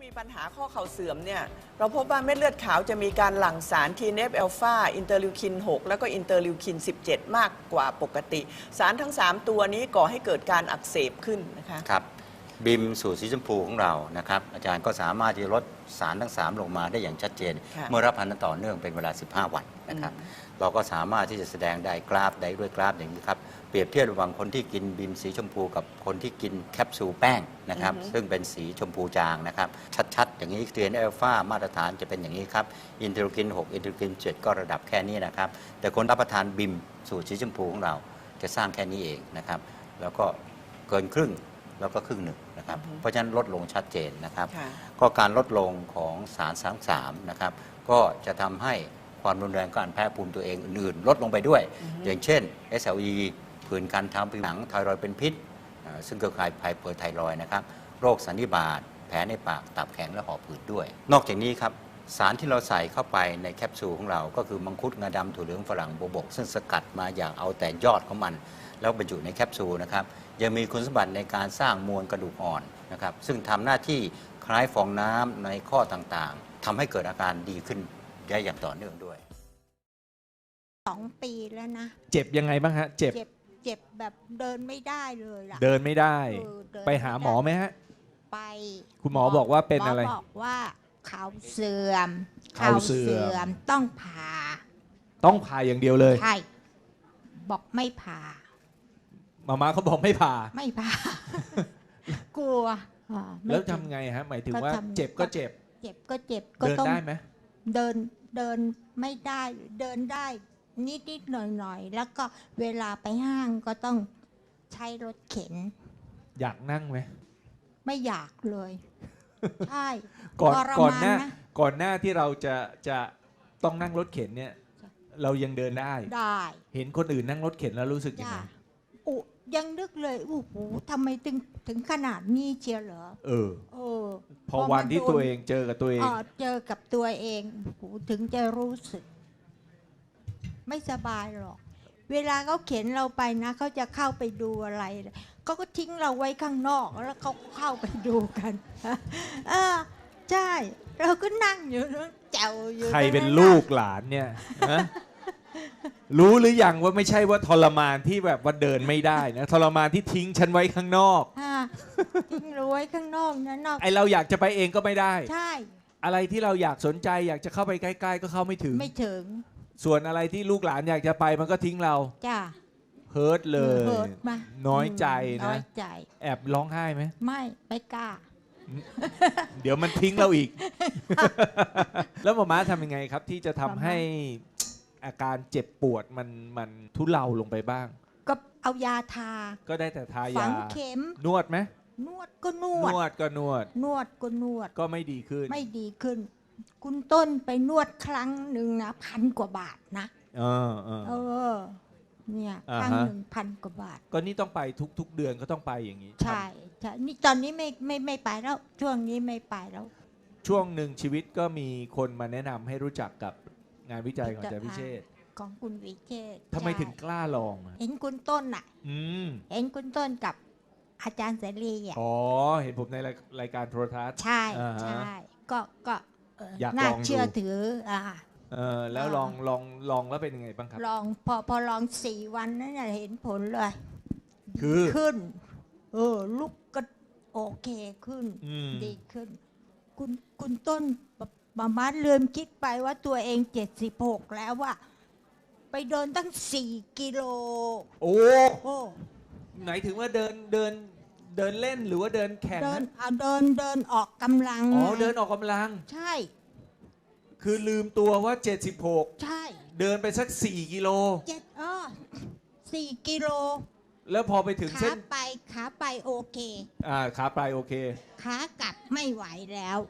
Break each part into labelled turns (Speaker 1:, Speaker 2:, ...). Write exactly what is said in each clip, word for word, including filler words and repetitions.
Speaker 1: มีปัญหาข้อเข่าเสื่อมเนี่ยเราพบว่าเม็ดเลือดขาวจะมีการหลั่งสาร ที เอฟ อัลฟา อินเตอร์ลิวคิน หก แล้วก็อินเตอร์ลิวคิน สิบเจ็ด มากกว่าปกติสารทั้งสามตัวนี้ก่อให้เกิดการอักเสบขึ้นนะคะ
Speaker 2: ครับบิมสูตรสีชมพูของเรานะครับอาจารย์ก็สามารถที่จะลดสารทั้งสามลงมาได้อย่างชัดเจนเมื่อรับประทานต่อเนื่องเป็นเวลาสิบห้าวันนะครับเราก็สามารถที่จะแสดงได้กราฟได้ด้วยกราฟอย่างนี้ครับเปรียบเทียบระหว่างคนที่กินบิมสีชมพูกับคนที่กินแคปซูลแป้งนะครับซึ่งเป็นสีชมพูจางนะครับชัดๆอย่างนี้ ที เอฟ อัลฟา มาตรฐานจะเป็นอย่างนี้ครับอินเตอร์ลิวคิน หก อินเตอร์ลิวคิน เจ็ด ก็ระดับแค่นี้นะครับแต่คนรับประทานบิมสูตรสีชมพูของเราจะสร้างแค่นี้เองนะครับแล้วก็เกินครึ่งแล้วก็ครึ่งหนึ่งนะครับเพราะฉะนั้นลดลงชัดเจนนะครับก็การลดลงของสารทั้งสามนะครับก็จะทำให้ความรุนแรงการแพ้ภูมิตัวเองอื่นๆลดลงไปด้วยอย่างเช่น เอส แอล อี ผื่นคันทางผิวหนังไทรอยด์เป็นพิษซึ่งเกิดจากไฮเปอร์ไทรอยด์นะครับโรคสันนิบาตแผลในปากตับแข็งและหอบหืดด้วยนอกจากนี้ครับสารที่เราใส่เข้าไปในแคปซูลของเราก็คือมังคุดงาดำถั่วเหลืองฝรั่งโบวบกซึ่งสกัดมาอย่างเอาแต่ยอดของมันแล้วบรรจุในแคปซูลนะครับยังมีคุณสมบัติในการสร้างมวลกระดูกอ่อนนะครับซึ่งทำหน้าที่คล้ายฟองน้ำในข้อต่างๆทำให้เกิดอาการดีขึ้นได้อย่างต่อเนื่องด้วย
Speaker 3: สองปีแล้วนะ
Speaker 4: เจ็บยังไงบ้างฮะเจ็บ
Speaker 3: เจ็บเจ็บแบบเดินไม่ได้เลยล่ะ
Speaker 4: เดินไม่ได้
Speaker 3: เ
Speaker 4: ไปหาหมอไหมฮะ
Speaker 3: ไป
Speaker 4: คุณหมอบอกว่าเป็นอะไร
Speaker 3: หมอบอกว่าเข่าเสื่อมเข่าเสื่อมต้องผ่า
Speaker 4: ต้องผ่าอย่างเดียวเลย
Speaker 3: ใช่บอกไม่ผ่า
Speaker 4: มาม่าเขาบอกไม่ผ่า
Speaker 3: ไม่ผ่ากลัว
Speaker 4: แล้วทำไงฮะหมายถึงว่าเจ็บก็เจ็บ
Speaker 3: เจ็บก็เจ็บ
Speaker 4: ก็ต้องเดินได้ไหม
Speaker 3: เดินเดินไม่ได้เดินได้นิดนิดหน่อยหน่อยแล้วก็เวลาไปห้างก็ต้องใช้รถเข็น
Speaker 4: อยากนั่งไหม
Speaker 3: ไม่อยากเลยใช่
Speaker 4: ก่อนก่อนหน้าก่อนหน้าที่เราจะจะต้องนั่งรถเข็นเนี่ยเรายังเดินได้
Speaker 3: ได้
Speaker 4: เห็นคนอื่นนั่งรถเข็นแล้วรู้สึกยังไง
Speaker 3: อุยังนึกเลยโอ้โหทำไมถึงถึงขนาดนี้เชียวเหรอ
Speaker 4: เออ
Speaker 3: เออ
Speaker 4: พอวันที่ตัวเองเจอกับตัวเอง
Speaker 3: เจอกับตัวเองโอ้โหถึงจะรู้สึกไม่สบายหรอกเวลาเขาเข็นเราไปนะเขาจะเข้าไปดูอะไรเขาก็ทิ้งเราไว้ข้างนอกแล้วเขาเข้าไปดูกันเออใช่เราก็นั่งอยู่นั่งแจวอยู่
Speaker 4: ใครเป็นลูกหลานเนี่ยรู้หรือยังว่าไม่ใช่ว่าทรมานที่แบบว่าเดินไม่ได้นะทรมานที่ทิ้งฉันไว้ข้างนอก
Speaker 3: ทิ้งเราไว้ข้างนอกนะนอก
Speaker 4: ไอเราอยากจะไปเองก็ไม่ได้
Speaker 3: ใช่
Speaker 4: อะไรที่เราอยากสนใจอยากจะเข้าไปใกล้ๆก็เข้าไม่ถึง
Speaker 3: ไม่ถึง
Speaker 4: ส่วนอะไรที่ลูกหลานอยากจะไปมันก็ทิ้งเรา
Speaker 3: จ้า
Speaker 4: เฮิร์ตเลยน้อยใจนะแอบร้องไห้ไหม
Speaker 3: ไม่ไม่กล้า
Speaker 4: เดี๋ยวมันทิ้งเราอีกแล้วหมอม้าทำยังไงครับที่จะทำให้อาการเจ็บปวดมันมันทุเลาลงไปบ้าง
Speaker 3: ก็เอายาทา
Speaker 4: ก็ได้แต่ทายาฝั
Speaker 3: งเข็ม
Speaker 4: นวดไหม
Speaker 3: นวดก็นวด
Speaker 4: นวดก็นวด
Speaker 3: นวดก็นวด
Speaker 4: ก็ไม่ดีขึ้น
Speaker 3: ไม่ดีขึ้นคุณต้นไปนวดครั้งหนึ่งนะพันกว่าบาทนะ
Speaker 4: เออเออ
Speaker 3: เออเนี่ยครั้งหนึ่งพันกว่าบาท
Speaker 4: ก็นี่ต้องไปทุกๆเดือนก็ต้องไปอย่างนี้
Speaker 3: ใช่ใช่นี่ตอนนี้ไม่ไม่ไม่ไปแล้วช่วงนี้ไม่ไปแล้ว
Speaker 4: ช่วงหนึ่งชีวิตก็มีคนมาแนะนำให้รู้จักกับงานวิจัยของอาจารย์วิเชษฐ์
Speaker 3: ของคุณวิเชษฐ์
Speaker 4: ทำไมถึงกล้าลอง
Speaker 3: เห็นคุณต้นอ่ะเห็นคุณต้นกับอาจารย์เสรีอ่ะ
Speaker 4: อ๋อเห็นผมในรายการโทรทัศน์
Speaker 3: ใช่ใช่ก็ก็น่าเชื่อถืออ่า
Speaker 4: เออแล้วลองลองลองแล้วเป็นยังไงบ้างครับ
Speaker 3: ลองพอพอลองสี่วันนั้นเห็นผลเลย
Speaker 4: คือ
Speaker 3: ขึ้นเออลุกก็โอเคขึ้นดีขึ้นคุณคุณต้นมาม่าลืมคิดไปว่าตัวเองเจ็ดสิบหกแล้วว่าไปเดินตั้งสี่กิโล
Speaker 4: โอ้โหไหนถึงว่าเดินเดินเดินเล่นหรือว่าเดินแข่ง
Speaker 3: เดินเอาเดินเดินออกกำลัง
Speaker 4: อ๋อเดินออกกำลัง
Speaker 3: ใช่
Speaker 4: คือลืมตัวว่าเจ็ดสิบหก
Speaker 3: ใช่
Speaker 4: เดินไปสักสี่กิโล
Speaker 3: เจ็ดอ๋อสี่กิโล
Speaker 4: แล้วพอไปถึงเส้น
Speaker 3: ขาไปขาไปโอเค
Speaker 4: อ่าขาไปโอเค
Speaker 3: ขากลับไม่ไหวแล้ว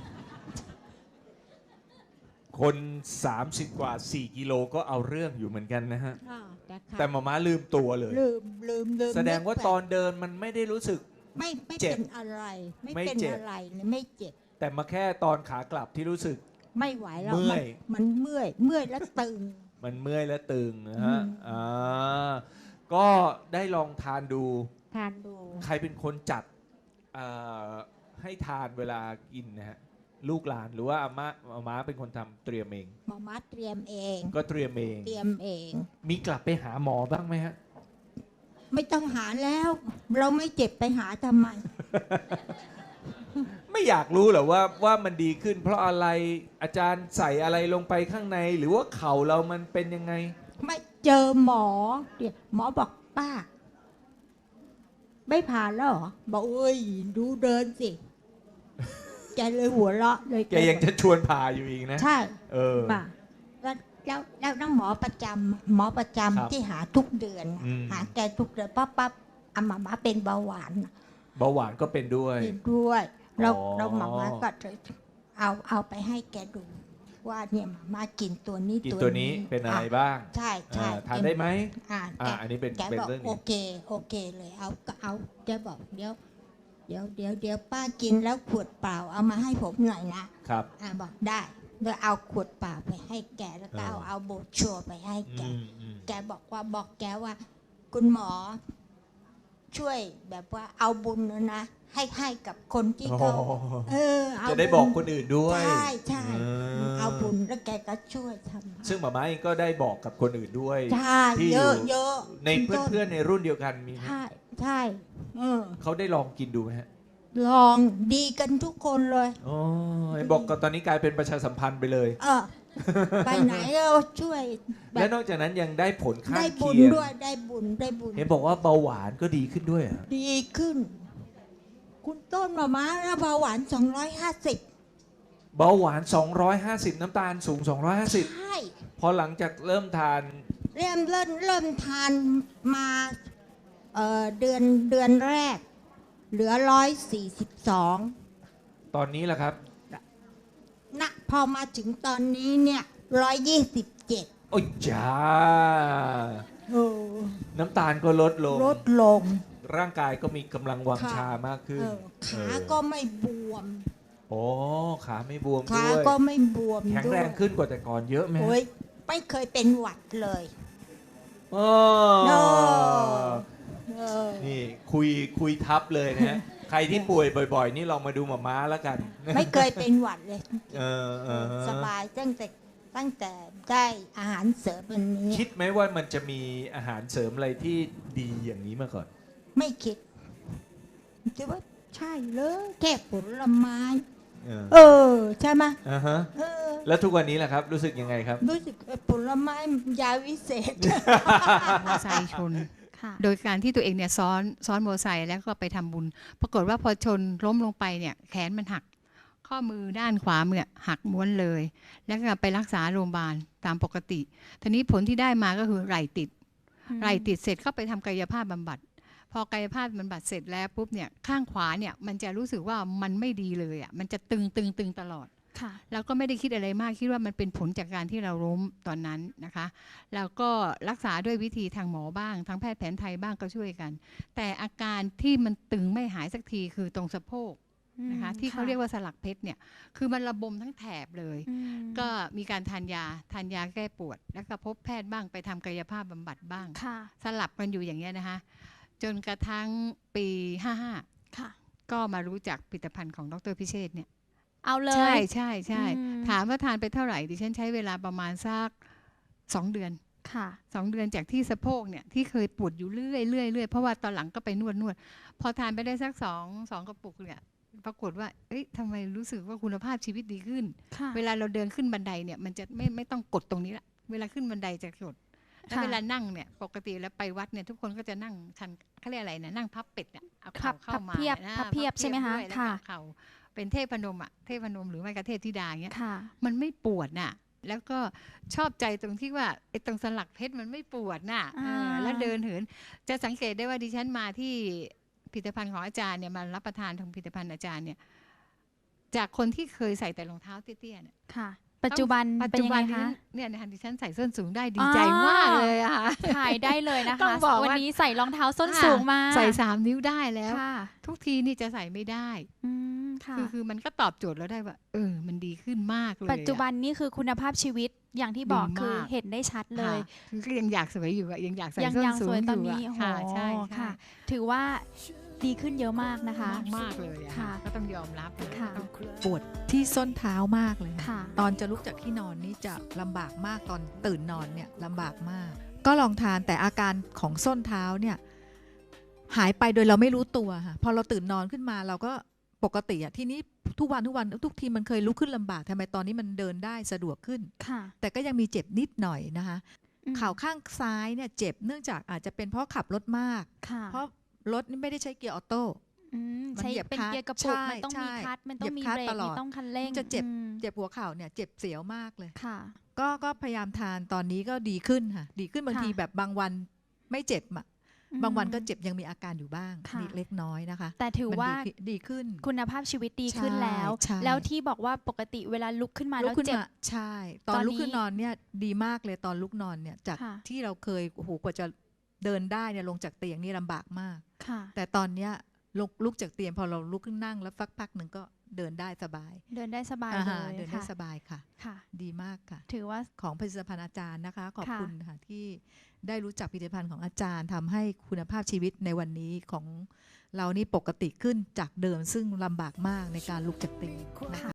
Speaker 4: คนสามสิบกว่าสี่กิโลก็เอาเรื่องอยู่เหมือนกันนะฮะแต่หมอม้าลืมตัวเลย
Speaker 3: ลืมลืมลืม
Speaker 4: แสดงว่าตอนเดินมันไม่ได้รู้สึก
Speaker 3: ไม่ไม่เป็นอะไรไม่เป็นอะไรเลยไม่เจ็บ
Speaker 4: แต่มาแค่ตอนขากลับที่รู้สึก
Speaker 3: ไม่ไหวแล้วเมื่อยมันเมื่อยเมื่อยแล้วตึง
Speaker 4: มันเมื่อยแล้วตึงนะฮะอ่าก็ได้ลองทานดู
Speaker 3: ทานดู
Speaker 4: ใครเป็นคนจัดให้ทานเวลากินนะฮะลูกหลานหรือว่าอาม่าอาม่าเป็นคนทำเตรียมเอง
Speaker 3: หมอมาเตรียมเอง
Speaker 4: ก็เตรียมเอง
Speaker 3: เตรียมเอง
Speaker 4: มีกลับไปหาหมอบ้างไหมฮะ
Speaker 3: ไม่ต้องหาแล้ว เราไม่เจ็บไปหาทำไม
Speaker 4: ไม่อยากรู้เหรอว่าว่ามันดีขึ้น เพราะอะไรอาจารย์ใส่อะไรลงไปข้างใน หรือว่าเข่าเรามันเป็นยังไง
Speaker 3: ไม่เจอหมอเดี๋ยวหมอบอกป้า ไม่ผ่านแล้วเหรอบอกเอ้ยดูเดินสิ แกเลยหัวเราะเลย
Speaker 4: แกยังจะชวนพาอยู่อีกนะ
Speaker 3: ใช่
Speaker 4: เออ
Speaker 3: ป่ะแล้วแล้วแล้วน้องหมอประจำหมอประจำ
Speaker 4: ครับ
Speaker 3: ที่หาทุกเดือน
Speaker 4: อืม
Speaker 3: หาแกทุกเดือนปั๊บปั๊บอามามาเป็นเบาหวาน
Speaker 4: เบาหวานก็เป็นด้วย
Speaker 3: เป็นด้วยเรา
Speaker 4: อ๋อ
Speaker 3: เราหมามาก็เลยเอาเอาไปให้แกดู ว่าเนี่ยหมามากินตัวนี้
Speaker 4: กินตัวนี้เป็นอะไร
Speaker 3: อ่
Speaker 4: บ้าง
Speaker 3: ใช่ใช่
Speaker 4: อ่าทานได้ไหม
Speaker 3: อ่า
Speaker 4: อ่า
Speaker 3: แก
Speaker 4: อันนี้เป็น
Speaker 3: แก
Speaker 4: เป็น
Speaker 3: บอก
Speaker 4: เรื่องห
Speaker 3: โอ
Speaker 4: นึ่ง
Speaker 3: เคโอเคเลยเอาก็เอาแกบอกเดี๋ยวเดี๋ยวเดี๋ยวเดี๋ยวป้ากินแล้วขวดเปล่าเอามาให้ผมหน่อยนะครับ อ่าบอกได้โดยเอาขวดเปล่าไปให้แกแล้วก็เอา
Speaker 4: เออ
Speaker 3: เอาโบรชัวร์ไปให้แก
Speaker 4: อืมอืม
Speaker 3: แกบอกว่าบอกแกว่า คุณหมอ ช่วยแบบว่าเอาบุญนะนะให้ให้กับคนที่เขา
Speaker 4: โอ้
Speaker 3: เออเอา
Speaker 4: จะได้บอกคนอื่นด้วย
Speaker 3: ใช่ใช่
Speaker 4: เออ
Speaker 3: เอาบุญแล้วแกก็ช่วยทำ
Speaker 4: ซึ่งหมาม้าเองก็ได้บอกกับคนอื่นด้วย
Speaker 3: ใช่
Speaker 4: ที่
Speaker 3: เย
Speaker 4: อยู่
Speaker 3: อะเยอะ
Speaker 4: ในเพื่อนๆในรุ่นเดียวกันมีไหม
Speaker 3: ใช่ใช่เออ
Speaker 4: เขาได้ลองกินดูไหมฮะ
Speaker 3: ลองดีกันทุกคนเลย
Speaker 4: อ๋อเห็นบอกก็ตอนนี้กลายเป็นประชาสัมพันธ์ไปเลย
Speaker 3: เออ ไปไหนก็ช่วยแบ
Speaker 4: และ
Speaker 3: บ
Speaker 4: นอกจากนั้นยังได้ผลข้าง
Speaker 3: ได้บุญ
Speaker 4: เคียง
Speaker 3: ด้วยได้บุญได้บุญ
Speaker 4: เห็นบอกว่าเบาหวานก็ดีขึ้นด้วยเหรอ
Speaker 3: ดีขึ้น คุณต้นมาม้าแล้วเบาหวานสองร้อยห้าสิบ
Speaker 4: เบาหวาน สองร้อยห้าสิบ น้ำตาลสูง สองร้อยห้าสิบ
Speaker 3: ใช่
Speaker 4: พอหลังจากเริ่มทาน
Speaker 3: เริ่มเริ่มเริ่มทานมาเอ่อเดือนเดือนแรก เหลือร้อยสี่สิบสอง
Speaker 4: ตอนนี้แหละครับ
Speaker 3: นะพอมาถึงตอนนี้เนี่ยร้อยยี่สิบเจ็ด
Speaker 4: โอ้ยจ้า
Speaker 3: โอ้
Speaker 4: น้ำตาลก็ลดลง
Speaker 3: ลดลง
Speaker 4: ร่างกายก็มีกำลังวัง
Speaker 3: ค่ะ
Speaker 4: ชามากขึ้น
Speaker 3: เออขา
Speaker 4: เออ
Speaker 3: ก็ไม่บวม
Speaker 4: โอ้ขาไม่บวม
Speaker 3: ขา
Speaker 4: ด้วย
Speaker 3: ก็ไม่บวม
Speaker 4: แข็ง
Speaker 3: ด้ว
Speaker 4: แร
Speaker 3: ย
Speaker 4: งขึ้นกว่าแต่ก่อนเยอะไหมฮะ
Speaker 3: โอ้ยไม่เคยเป็นหวัดเลย
Speaker 4: อ๋อ
Speaker 3: โน่เออ
Speaker 4: นี่คุยคุยทับเลยนะฮะ ใครที่ป่วยบ่อยๆ นี่ลองมาดูหมาม้าแล้วกัน
Speaker 3: ไม่เคยเป็นหวัดเลย
Speaker 4: เออเออ
Speaker 3: สบายตั้งแต่ตั้งแต่ได้อาหารเสริมอันนี้
Speaker 4: คิดไหมว่ามันจะมีอาหารเสริมอะไรที่ดีอย่างนี้มาก่อน
Speaker 3: ไม่คิดคิดว่าใช่เลยแค่ผลไม้
Speaker 4: เออ
Speaker 3: เออ ใช่ไหม
Speaker 4: อ่าฮะ
Speaker 3: เออ
Speaker 4: แล้วทุกวันนี้แหละครับ รู้สึกยังไงครับ
Speaker 3: รู้สึกผลไม้ยาวิเศษ
Speaker 5: มอไซค์ชน
Speaker 6: ค่ะ
Speaker 5: โดยการที่ตัวเองเนี่ยซ้อนซ้อนมอไซค์แล้วก็ไปทำบุญ ปรากฏว่าพอชนล้มลงไปเนี่ยแขนมันหัก ข้อมือด้านขวามือเนี่ยหักม้วนเลย แล้วก็ไปรักษาโรงพยาบาลตามปกติทีนี้ผลที่ได้มาก็คือไหล่ติด ไหล่ติดเสร็จก็ไปทำกายภาพบำบัด พอกายภาพบำบัดเสร็จแล้วปุ๊บเนี่ยข้างขวาเนี่ยมันจะรู้สึกว่ามันไม่ดีเลยอ่ะมันจะตึงตึงตึงตลอด
Speaker 6: ค่ะ
Speaker 5: แล้วก็ไม่ได้คิดอะไรมากคิดว่ามันเป็นผลจากการที่เราล้มตอนนั้นนะคะ แล้วก็รักษาด้วยวิธีทางหมอบ้างทางแพทย์แผนไทยบ้างก็ช่วยกัน แต่อาการที่มันตึงไม่หายสักทีคือตรงสะโพกนะคะที่เขาเรียกว่าสลักเพชรเนี่ยคือมันระบมทั้งแถบเลย
Speaker 6: อืม
Speaker 5: ก็มีการทานยาทานยาแก้ปวด แล้วก็พบแพทย์บ้างไปทำกายภาพบำบัดบ้าง
Speaker 6: ค่ะ
Speaker 5: สลับกันอยู่อย่างเงี้ยนะคะจนกระทั่งปีห้าห้า
Speaker 6: ค่ะ
Speaker 5: ก็มารู้จักผลิตภัณฑ์ของดรพิเชษฐ์เนี่ย
Speaker 6: เอาเลย
Speaker 5: ใช่ใช่ใช่
Speaker 6: อืม
Speaker 5: ถามว่าทานไปเท่าไหร่ดิฉันใช้เวลาประมาณสักสองเดือน
Speaker 6: ค่ะ
Speaker 5: สองเดือนจากที่สะโพกเนี่ยที่เคยปวดอยู่เรื่อยเรื่อยเรื่อยเพราะว่าตอนหลังก็ไปนวดนวดพอทานไปได้สักสองสองกระปุกเนี่ยปรากฏว่าเอ้ยทำไมรู้สึกว่าคุณภาพชีวิตดีขึ้น
Speaker 6: ค่ะ
Speaker 5: เวลาเราเดินขึ้นบันไดเนี่ยมันจะไม่ไม่ต้องกดตรงนี้ละเวลาขึ้นบันไดจะกดแล้ว
Speaker 6: ค่ะ
Speaker 5: เวลานั่งเนี่ยปกติแล้วไปวัดเนี่ยทุกคนก็จะนั่งชันเขาเรียกอะไรนะนั่งพับเป็ดเนี่ยเอา
Speaker 6: พั
Speaker 5: เข่า
Speaker 6: บ
Speaker 5: เข้า
Speaker 6: พับ
Speaker 5: มา
Speaker 6: เพียบ
Speaker 5: นะ
Speaker 6: พับเพียบใช่ไหมคะ
Speaker 5: ด้วยแล้ว
Speaker 6: ค่ะ
Speaker 5: ก็เข่าเป็นเทพนมอ่ะเทพนมหรือไม่ก็เทพธิดาเงี้ย
Speaker 6: ค่ะ
Speaker 5: มันไม่ปวดน่ะ แล้วก็ชอบใจตรงที่ว่าไอ้ตรงสลักเพชรมันไม่ปวดน่ะ
Speaker 6: อ่า
Speaker 5: เออแล้วเดินเหิน จะสังเกตได้ว่าดิฉันมาที่ผลิตภัณฑ์ของอาจารย์เนี่ยมารับประทานของผลิตภัณฑ์อาจารย์เนี่ย จากคนที่เคยใส่แต่รองเท้าเตี้ยๆเนี่ย
Speaker 6: ค่ะ ปัจจุบัน
Speaker 5: ปัจ
Speaker 6: เป็น
Speaker 5: จุ
Speaker 6: ยัง
Speaker 5: บั
Speaker 6: ไง
Speaker 5: นนี้
Speaker 6: คะ
Speaker 5: เนี่ยนะคะดิฉันใส่ส้นสูงได้ดี
Speaker 6: อ๋อ
Speaker 5: ใจมากเลยอะค่ะ
Speaker 6: ถ่ายได้เลยนะ
Speaker 5: ต้อ
Speaker 6: คะ
Speaker 5: งบอกว่า
Speaker 6: วันนี้ใส่รองเท้าส้นสูงมา
Speaker 5: ใส่สามนิ้วได้แล้ว
Speaker 6: ค่ะ
Speaker 5: ทุกทีนี่จะใส่ไม่ได้
Speaker 6: อืมค่ะ
Speaker 5: คือคือมันก็ตอบโจทย์เราได้ว่า เออ มันดีขึ้นมากเลยอะ
Speaker 6: ปัจจุบันนี่คือคุณภาพชีวิตอย่างที่บอก
Speaker 5: ดีมาก
Speaker 6: คือเห็นได้ชัดเลย
Speaker 5: ค่ะคือก็ยังอยากสวยอยู่อะยังอยากใส่
Speaker 6: ยัง
Speaker 5: ส้น
Speaker 6: ยัง
Speaker 5: สู
Speaker 6: ส
Speaker 5: ง
Speaker 6: วย
Speaker 5: อ
Speaker 6: ตอน
Speaker 5: ยู่
Speaker 6: นี้
Speaker 5: อะ
Speaker 6: โอ้โห
Speaker 5: ค่ะใช่ใช่
Speaker 6: ค่ะ ถือว่าดีขึ้นเยอะมากนะคะ
Speaker 5: มากมากเลยอะ
Speaker 6: ค่ะ
Speaker 5: ก็ต้องยอมรับนะ
Speaker 6: ค่ะ
Speaker 7: ปวดที่ส้นเท้ามากเลย
Speaker 6: ค่ะ
Speaker 7: ตอนจะลุกจากที่นอนนี่จะลำบากมากตอนตื่นนอนเนี่ยลำบากมาก ก็ลองทานแต่อาการของส้นเท้าเนี่ยหายไปโดยเราไม่รู้ตัวค่ะพอเราตื่นนอนขึ้นมาเราก็ปกติอะทีนี้ทุกวันทุกวันทุกทีมันเคยลุกขึ้นลำบากทำไมตอนนี้มันเดินได้สะดวกขึ้น
Speaker 6: ค่ะ
Speaker 7: แต่ก็ยังมีเจ็บนิดหน่อยนะคะ
Speaker 6: อืม
Speaker 7: เข่าข้างซ้ายเนี่ยเจ็บเนื่องจากอาจจะเป็นเพราะขับรถมาก
Speaker 6: ค่ะ
Speaker 7: เพราะรถนี่ไม่ได้ใช้เกียร์ออโต้
Speaker 6: อืม
Speaker 7: มัน
Speaker 6: ใช้
Speaker 7: เหยียบ
Speaker 6: เป็น
Speaker 7: คลัตช์
Speaker 6: เกียร์กระปุก
Speaker 7: ใช่
Speaker 6: มันต้องมี
Speaker 7: ใช่
Speaker 6: คลัตช์มันต้องมี
Speaker 7: เหยียบคลัตช์
Speaker 6: เบรก
Speaker 7: ตลอด
Speaker 6: มีต้องคันเร่ง
Speaker 7: จะเจ็บ
Speaker 6: อืม
Speaker 7: เจ็บหัวเข่าเนี่ยเจ็บเสียวมากเลย
Speaker 6: ค่ะ
Speaker 7: ก็ก็พยายามทานตอนนี้ก็ดีขึ้นค่ะดีขึ้นบาง
Speaker 6: ค่ะ
Speaker 7: ทีแบบบางวันไม่เจ็บอะ
Speaker 6: อืม
Speaker 7: บางวันก็เจ็บยังมีอาการอยู่บ้าง
Speaker 6: ค่ะ
Speaker 7: นิดเล็กน้อยนะคะ
Speaker 6: แต่ถือ
Speaker 7: มัน
Speaker 6: ว่า
Speaker 7: ดีขึ้นดีขึ้น
Speaker 6: คุณภาพชีวิตดีขึ้น
Speaker 7: ใช่
Speaker 6: แล้ว
Speaker 7: ใช่
Speaker 6: แล้วที่บอกว่าปกติเวลาลุกขึ้นมา
Speaker 7: ลุ
Speaker 6: แล้
Speaker 7: ก
Speaker 6: ว
Speaker 7: ขึ้น
Speaker 6: เจ็บ
Speaker 7: มาใช่ ตอ
Speaker 6: ตอน น
Speaker 7: ลุกขึ้น
Speaker 6: นี้
Speaker 7: นอนเนี่ยดีมากเลยตอนลุกนอนเนี่ยจาก
Speaker 6: ค่ะ
Speaker 7: ที่เราเคยโอ้โหกว่าจะเดินได้เนี่ยลงจากเตียงนี่ลำบากมาก
Speaker 6: ค่ะ
Speaker 7: แต่ตอนเนี้ยลุกลุกจากเตียงพอเราลุกขึ้นนั่งแล้วฟักพักหนึ่งก็เดินได้สบาย
Speaker 6: เดินได้สบาย
Speaker 7: อ่า
Speaker 6: เล
Speaker 7: ฮะ
Speaker 6: ย
Speaker 7: เดินได้
Speaker 6: ค่ะ
Speaker 7: สบายค่ะ
Speaker 6: ค่ะ
Speaker 7: ดีมากค่ะ
Speaker 6: ถือว่า
Speaker 7: ของผลิตภัณฑ์อาจารย์นะคะ ขอบ
Speaker 6: ค่ะ
Speaker 7: คุณค่ะที่ได้รู้จักผลิตภัณฑ์ของอาจารย์ทำให้คุณภาพชีวิตในวันนี้ของเรานี่ปกติขึ้นจากเดิมซึ่งลำบากมากในการลุกจากเตียงนะคะ